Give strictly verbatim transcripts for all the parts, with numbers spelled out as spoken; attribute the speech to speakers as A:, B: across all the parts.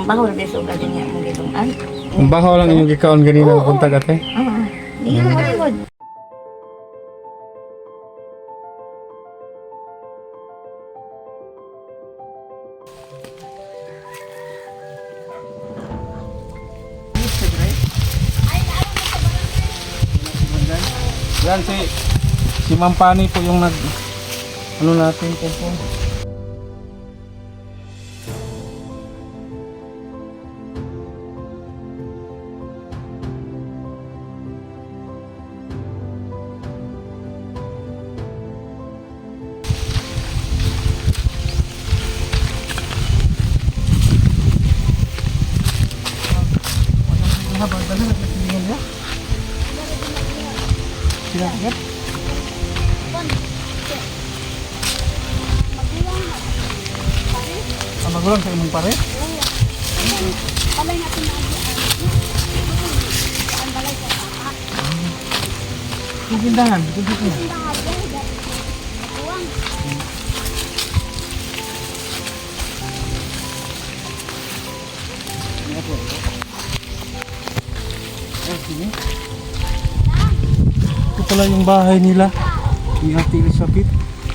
A: Bahol beso ka din yung gitong an.
B: Ang baho lang yung gikaon ganina
A: Oo.
B: punta ate.
A: Oo. Hindi mo malimod.
B: Yan si si Ma'am Pani po yung nag ano natin po po.
A: Habang dala nagsasabihin nila. Sila agad.
B: Ang magulang sa imong pare?
C: Palay natin na ang balay sa taas.
B: Yung tindahan, dito po.
C: Buwang.
B: Ito pala yung bahay nila ni Ate Elizabeth.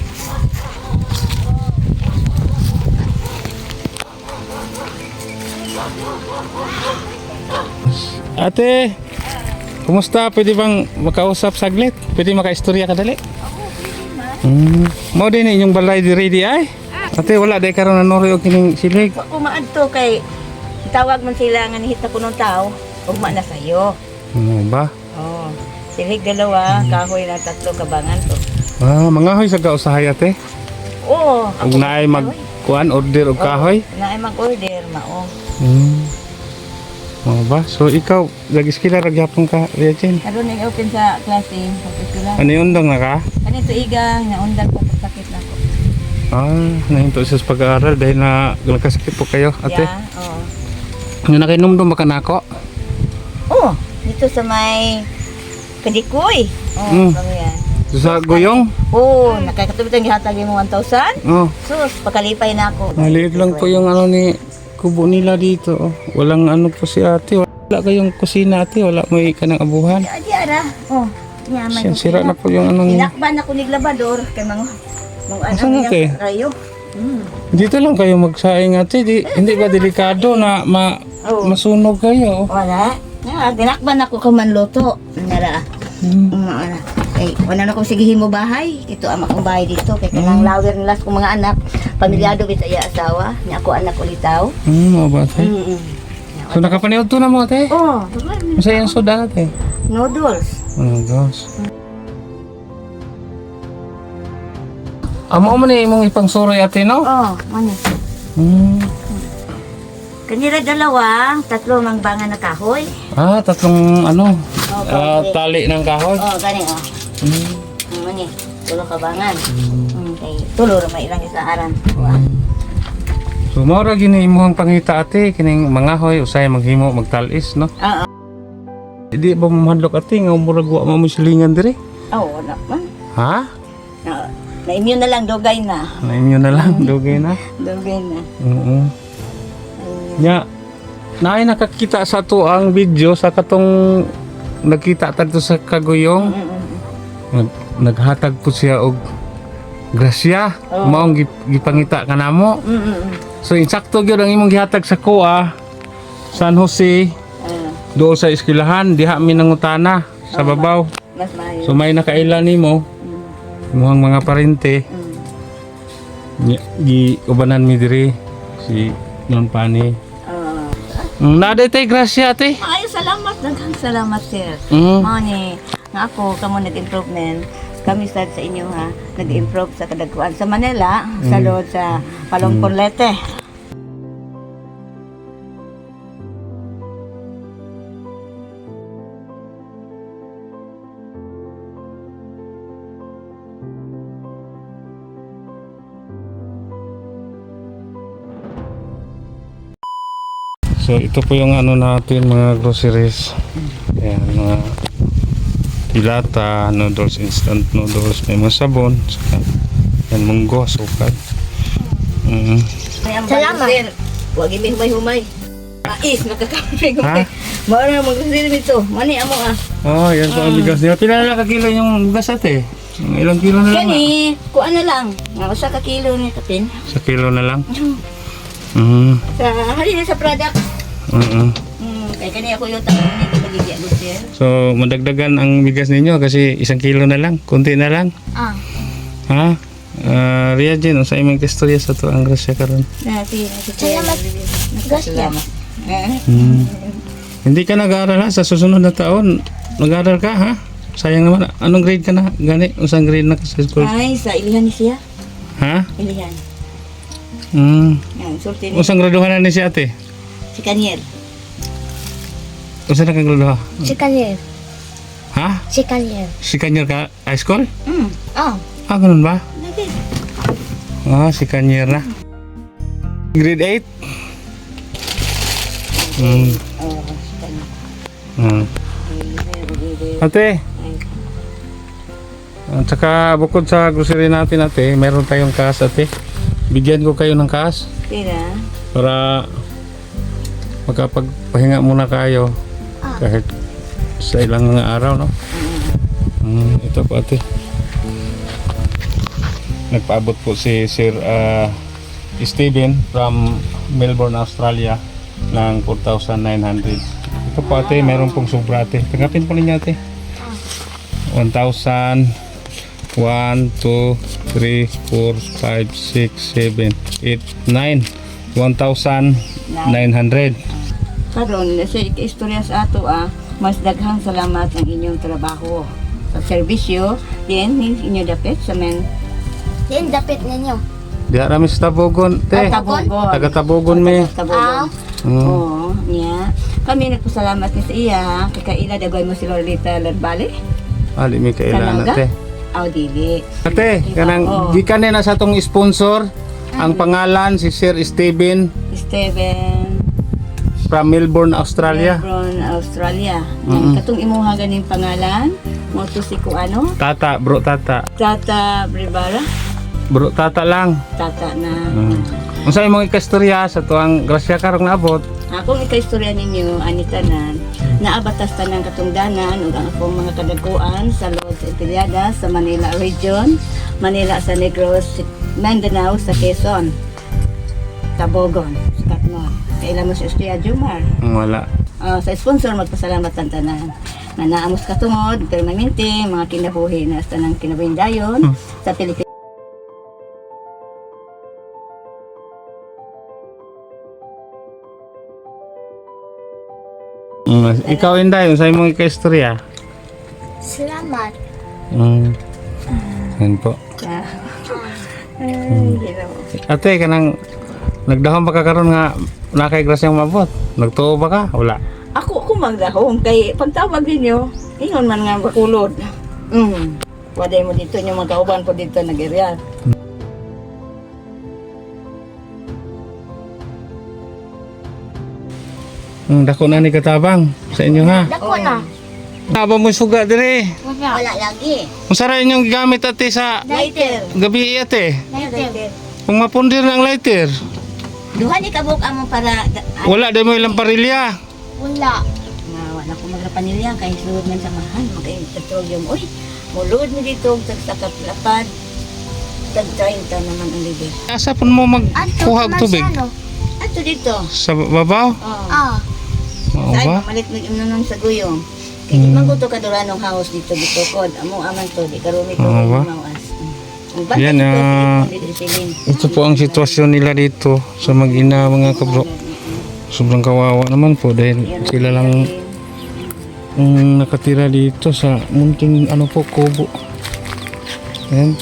B: Ate, kumusta? Pwede bang makausap saglit? Pwede makaistorya ka dali? Hmm. Mo din inyong balay diri di ay? Ate, wala day karon nanori og kining silig.
A: Wa ko maadto kay tawag man sila nga nihita ko ng tao. Ugma na sayo.
B: Ano ba?
A: Oh. Silig dalawa, kahoy na tatlo kabangan to.
B: Ah, mangahoy sa kausahay ate.
A: Oo.
B: Ug naay mag kuan order og kahoy.
A: Na ay mag-order mao.
B: Hmm. Ano ba? So ikaw, lagi-skila ragyapon ka, Regine.
A: Karon ning open sa klase, open sila.
B: Ano yung undang na ka?
A: Kanito igang naundan ko sakit na ko.
B: Ah, nahinto sa pag-aaral dahil na nagkasakit po kayo, ate.
A: Yeah, oo.
B: Yung nakinomdom ba ka na ako?
A: Oh, dito sa may Kadikoy. Oh,
B: Mm.
A: ano yan.
B: So, sa Goyong?
A: Oh, nakakatubit ang gihatag mo one thousand.
B: Oh,
A: Sus, pakalipay na ako.
B: maliit lang po yung ano ni kubo nila dito. Oh. Walang ano po si ate. Wala kayong kusina ate. Wala mo ikanang abuhan.
A: Di ara. Oh, niya may
B: Siya, sira na po yung ano niya.
A: Tinakban ako ni labador kay mga mga
B: Asan
A: ano
B: ate?
A: niya kayo. Mm.
B: Dito lang kayo magsaing ate. Di, hindi ba delikado na ma,
A: Oh.
B: masunog kayo?
A: Wala. Nga, tinakban ako ka manluto. Nara.
B: Hmm.
A: Mm, wala. Kay wala na akong sigihin mo bahay. Ito ang akong bahay dito. Kay kanang lawer nila sa mga anak. Pamilyado bit iya asawa. Ni ako anak ulitaw.
B: Hmm, mga ba ate?
A: Mm. -mm.
B: So nakapaniod to na mo ate?
A: Oh,
B: Masaya yung soda ate.
A: noodles.
B: Oh gosh. Amo mo ni imong ipang suroy ate no?
A: Oh, ano?
B: Hmm.
A: Kanila dalawa, tatlo ng bangan na kahoy.
B: Ah, tatlong ano,
A: Oh,
B: ah,
A: kahoy.
B: tali ng kahoy.
A: Oh, gani oh.
B: Hmm.
A: Ano ni? Tulo ka bangan. Mm, kay tulo ra may ilang isa aran.
B: So mao ra gini imong pangita ate kining mangahoy usay maghimo magtalis no.
A: Oo.
B: Di ba mamahadlok ate nga murag wa mo silingan dire?
A: Oh, wala man.
B: Ha?
A: Na, na-immune na lang, dogay na.
B: Na-immune na lang, dugay na.
A: Dogay na.
B: Oo. Nya naay nakakita sa to ang video sa katong nagkita tadto sa Kaguyong. Nag, naghatag po siya og grasya.
A: Oo.
B: Maong gip- gipangita kanamo.
A: Mm-mm.
B: So insakto gyud ang imong gihatag sa kuha San Jose
A: Ah,
B: doon sa eskwelahan diha mi nangutana sa babaw.
A: mas maayo.
B: So may nakaila nimo
A: Mm,
B: muhang mga parente
A: mm.
B: Nya- gi ubanan mi diri si Non Pani.
A: Ah.
B: Mm, naday tay grasya ate.
A: Ay, salamat. Daghang salamat, sir.
B: Mm.
A: Mao ni, nga ako, kamo nag-improvement. Kami sad sa inyo ha, nag-improve sa kadagkuan sa Manila, sa loob sa Palongpon Leyte.
B: So ito po yung ano natin mga groceries. Ayan, mga dilata, noodles, instant noodles, may mga sabon, saka yan munggo, asukal. Mm.
A: Salamat. Sir, wag imi humay-humay. Mais, makakapig.
B: Ha?
A: Mao na mag-sale nito. Mani amo ah.
B: Oh, yan po ang bigas niya. Pila na ka kilo yung bigas ate? Ang ilang kilo na lang?
A: Kani, kuan na lang. Nga usa ka kilo ni kapin.
B: Sa kilo na lang? Mm.
A: Sa halin sa product.
B: Mm.
A: Hmm, kay kani ako yung tanong nito magigya lucer.
B: So, madagdagan ang bigas ninyo kasi isang kilo na lang, kunti na lang.
C: Ah.
B: Ha? Uh, Ria Jean, sa imong kastorya sa to ang grasya karon.
A: Na si si
C: Salamat. Grasya.
A: Eh.
B: Hmm. Hindi ka nag-aaral ha? Sa susunod na taon, nag-aaral ka ha? Sayang naman. Anong grade ka na? Gani? Usang grade na ka sa school?
A: Ay, sa ilihan ni siya.
B: Ha?
A: Ilihan.
B: Hmm.
A: Yan, sulti ni
B: Usang graduhan na ni si ate?
A: si Kaniel.
B: Usang na kang graduha?
C: Si Kalier.
B: Ha?
C: Si Kalier.
B: Si Kanyar ka high school?
A: Hmm.
C: Oh.
B: Ah, ganun ba?
A: Lagi.
B: Ah, si Kanyar na. Grade eight? Hmm.
A: Oh, si Kaniel.
B: Hmm. Ate, at saka bukod sa grocery natin ate, meron tayong cash ate. Bigyan ko kayo ng cash
A: Pira.
B: para makapagpahinga muna kayo kahit sa ilang mga araw, no? Hmm, ito po ate. Nagpaabot po si Sir ah, Steven from Melbourne, Australia ng four thousand nine hundred. Ito po ate, meron pong sobra ate. Tanggapin po ninyo ate. one thousand, one, two, three, four, five, six, seven, eight, nine. one thousand nine hundred.
A: Karon sa istorya sa ato ah, mas daghang salamat ang inyong trabaho sa serbisyo din inyo dapat sa men
C: Yan, dapit ninyo.
B: Di rami sa Tabogon, te.
A: Tabogon.
B: Taga Tabogon me.
A: Tabogon.
B: Mm.
A: Oo, niya. Kami nagpasalamat ni sa iya kay kaila dagoy mo si Lolita Larbale.
B: Ali mi kailan
A: Kananga?
B: ate.
A: Aw dili.
B: Ate,
A: Oo.
B: kanang gikan na sa tong sponsor. Ang pangalan si Sir Steven
A: Steven
B: from Melbourne, Australia.
A: Melbourne, Australia.
B: Mm-mm.
A: Katong imuha ganing pangalan mo to si kuano?
B: Tata, bro tata.
A: Tata Bribara.
B: Bro tata lang.
A: Tata na.
B: Mm. Unsa imong ikastorya sa tuang grasya karong naabot?
A: Akong ikaistorya ninyo, ani tanan, naabatas tanan katungdanan ug ang akong mga kadaguan sa Lord sa Intiliada sa Manila Region, Manila sa Negros, Mindanao sa Quezon, Tabogon, sa Katmon. Kailan mo sa Estuya Jumar.
B: Wala.
A: Ah, sa sponsor magpasalamat ang tanan. Na naamos katungod, permanente, mga kinabuhi na sa tanang kinabuhindayon sa Pilipinas.
B: Mm, ikaw Inday, unsa imong ikastorya?
C: Salamat.
B: Mm. Yan po.
A: Ah. Ay, hello.
B: Ate, kanang nagdahon ba ka karon nga nakay grasyang mabot? Nagtuo ba ka? Wala.
A: Ako, ako magdahom. Kay pagtawag ninyo, ingon man nga bakulod. Mm. Waday mo dito, yung mga kauban po dito nag-area.
B: Mm, dako na ni katabang sa inyo ha.
C: Dako na.
B: Aba mo suga dire.
C: Wala.
A: Wala lagi.
B: Unsa ra inyong gamit ate sa
A: Lighter.
B: gabi ate?
C: Lighter.
B: Kung mapundir ng lighter.
A: Duha ni kabuk amo para da- ay,
B: Wala dai mo ilang parilya.
C: Wala.
A: nga wala ko magrapanilya kay sulod man sa mahal kay petroleum. Uy, mulod mo dito sa sakap lapad. Tag thirty naman ang libre.
B: Asa pun mo magkuha og tubig?
A: Ato dito.
B: Sa babaw?
A: Oh.
C: Ah.
B: Oo
A: Ay,
B: ba?
A: malit mo imnon sa guyong. Kay di man ko to kaduranong house dito dito kod. Amo aman to di karumi to
B: Oo ba?
A: mawas. Ang bata
B: Yan,
A: dito,
B: ah,
A: dito, dito, dito.
B: Ito po ang sitwasyon nila dito sa mag-ina mga kabro. Sobrang kawawa naman po dahil sila lang ang nakatira dito sa munting ano po kubo. Ayan.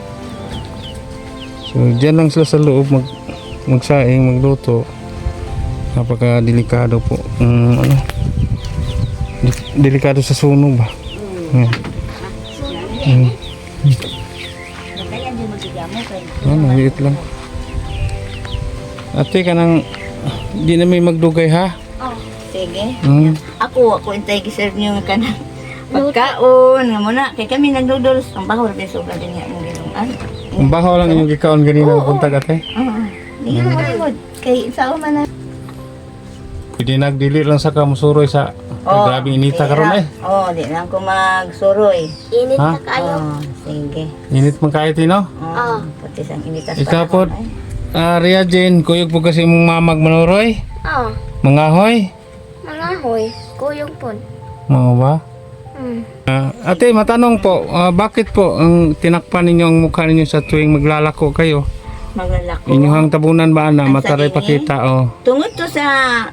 B: So diyan lang sila sa loob mag magsaing, magluto. Napaka delikado po. Um, ano? Di- delikado sa sunog ba? Ayan. Ayan.
A: Kaya di magigamo kay.
B: Ah, maliit lang. Ate ka nang di na may magdugay ha?
C: Oh.
A: Sige.
B: Hmm.
A: Ako, ako intay giserve niyo nga kanang pagkaon nga muna kay kami nag-noodles ang baho ra sobra din niya mo giluan.
B: Ang baho lang yung gikaon ganina
A: Oo.
B: punta ate.
A: Oo. Di mo mo kay sao man na.
B: Hindi nagdili lang sa kamusuroy sa
A: Oh,
B: grabe inita karon eh.
A: Oh, di lang ko magsuroy.
C: Init
B: Ha?
C: na kayo.
A: Oh, sige.
B: Init man kahit no?
A: Oh, pati sang initas
B: Ikaw
A: pa
B: po,
A: naman, eh.
B: ah, Ria Jane, kuyog po kasi mong mamag manuroy.
C: Oh,
B: Mangahoy.
C: mga hoy. Kuyong po.
B: Mga ba?
C: Hmm.
B: Ah, ate, matanong po, ah, bakit po ang tinakpan ninyo ang mukha ninyo sa tuwing maglalako kayo?
A: Maglalako.
B: Inyong tabunan ba na
A: Ang
B: mataray
A: sa ini?
B: pakita oh.
A: Tungod to sa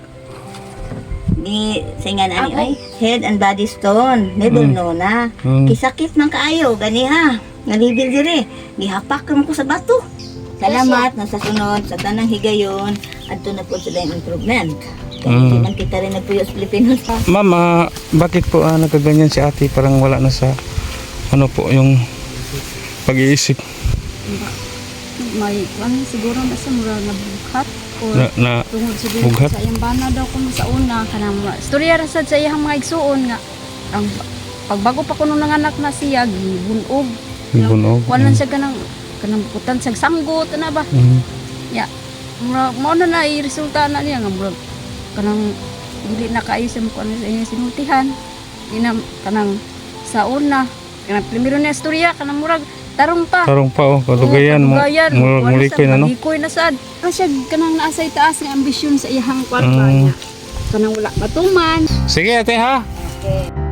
A: di singan ani ay head and body stone ni no na
B: Mm.
A: kisakit man kaayo gani ha nalibil dire gihapak man ko sa bato. Salamat na sa sunod sa tanang higayon adto na po sila yung improvement. Kaya
B: Mm.
A: di man kita rin nagpuyo sa Pilipinas ha.
B: Ma'am, ah, bakit po ah, nagkaganyan si ate? Parang wala na sa ano po yung pag-iisip
D: May ano siguro na sa mura na bughat o
B: na, na
D: tungod siguro
B: bughat?
D: sa iyang bana daw kung sa una kanang mga istorya ra sad sa iyang mga igsuon nga ang pagbago pa kuno nanganak na siya gibunog.
B: bunog.
D: Kuan siya kanang kanang bukutan sa sanggot na ba?
B: Mm.
D: Ya. Mura mo na na resulta na niya nga mura kanang dili na kaayo sa kuan sa iyang sinultihan. Ina kanang sa una kanang primero na istorya kanang murag tarong pa.
B: Tarong pa oh, kalugayan mo.
D: Kalugayan.
B: Murag muli ko na no.
D: Malikoy na sad. Ano siya kanang naasay taas ng ambisyon sa iyang kwarta
B: Mm.
D: niya. Kanang wala matuman.
B: Sige ate ha.
A: Okay.